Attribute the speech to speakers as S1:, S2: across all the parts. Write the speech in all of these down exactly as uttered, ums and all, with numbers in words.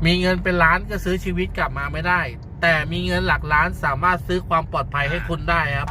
S1: มีเงินเป็นล้านก็ซื้อชีวิตกลับมาไม่ได้แต่มีเงินหลักล้านสามารถซื้อความปลอดภัยให้คุณได้ครับ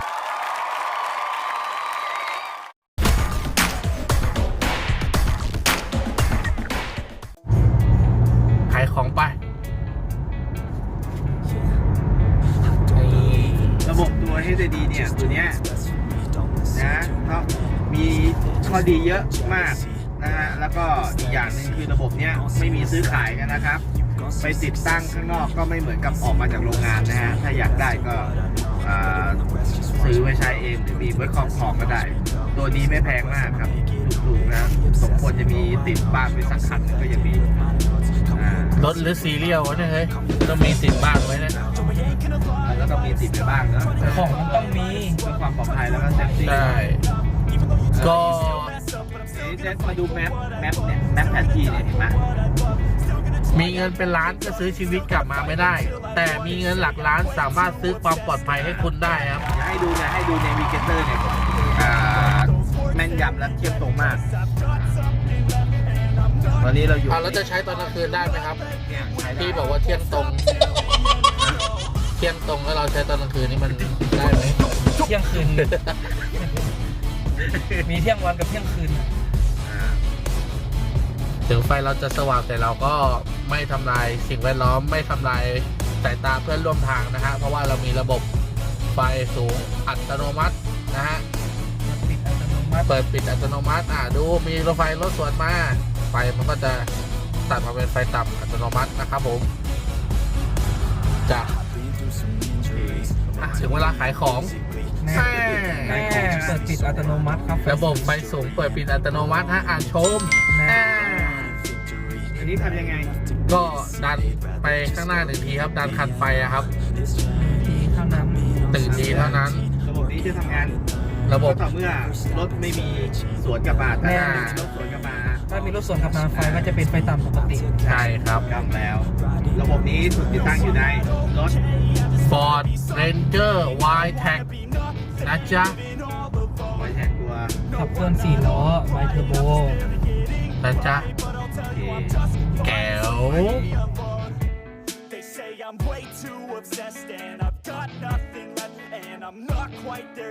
S1: ขายของไประ
S2: บบตัว เอช ดี เนี่ยตัวเนี้ยนะเขามีข้อดีเยอะมากนะฮะแล้วก็อีกอย่างหนึ่งคือระบบเนี้ยไม่มีซื้อขายกันนะครับไปติดตั้งข้างนอกก็ไม่เหมือนกับออกมาจากโรงงานนะฮะถ้าอยากได้ก็ซื้อไว้ใช้เองหรือมีไว้ครอบครองก็ได้ตัวนี้ไม่แพงมากครับถูกๆนะสมควรจะมีติดบ้านไปสักคันก็ยังดี
S1: รถหรือซีเรียลวะเนี่ยเฮ้ยต้องมีติดบ้านไว้นะ
S2: แล้วก็ต้องมีติดไปบ้างเนาะ
S3: ของมันต้องมี
S2: เพื่อความปลอดภัยแล้วก็เซฟตี้
S1: ใช่ก็
S2: เดี๋ยวมาดูแมปแมปเนี่ยแมปแผนที่เนี่ยเห็นไหม
S1: มีเงินเป็นล้านก็ซื้อชีวิตกลับมาไม่ได้แต่มีเงินหลักล้านสามารถซื้อความปลอดภัยให้คุณได้ครับ
S2: ให้ดูเนี่ยให้ดูในวีเกเตอร์เนี่ยแม่นยำและเทียบตรงมากวันนี้เราอยู่
S1: เราจะใช้ตอนกลางคืนได้ไหมครับพี่บอกว่าเที่ยงตรงเที่ยงตรงแล้วเราใช้ตอนกลางคืนนี่มันได้ไหม
S3: เที่ยงคืนมีเที่ยงวันกับเที่ยงคืน
S1: ถึงไฟเราจะสว่างแต่เราก็ไม่ทำลายสิ่งแวดล้อมไม่ทำลายสายตาเพื่อนร่วมทางนะฮะเพราะว่าเรามีระบบไฟสูงอัตโนมัตินะฮะเปิดปิดอัตโนมัติอ่ะดูมีรถไฟรถสวนมาไฟมันก็จะตัดมาเป็นไฟต่ำอัตโนมัตินะครับผมจ้ะถึงเวลาขายของ
S3: แม่เปิดปิดอัตโนมัติครับ
S1: ระบบไฟสูงเปิดปิดอัตโนมัติฮะอ่านชม
S2: อันนี้ทำยังไง
S1: ก็ดันไปข้างหน้าหนึ่งทีครับดันคันไฟครับ
S3: ทีเท่านั้น
S1: ตื่นทีเท่านั้น
S2: ระบบนี้จะทำงาน
S1: ระบบ
S2: ต่อเมื่อรถไม่มีสวนกลับมาถ้ารถสวนกลับมา
S3: ถ้ามีรถสวนกลับมาไฟก็จะเป็นไฟต่ำปกติ
S1: ใช่ครับ
S2: จำแล้วระบบนี้ถูกติดตั้งอยู่ในรถ
S1: Ford Ranger Y-Tech นะจ๊ะ
S2: Y-Tech ตัว
S3: ขับเคลื่อนสี่ล้อไวเทอร์โบ
S1: นะจ๊ะแก้ว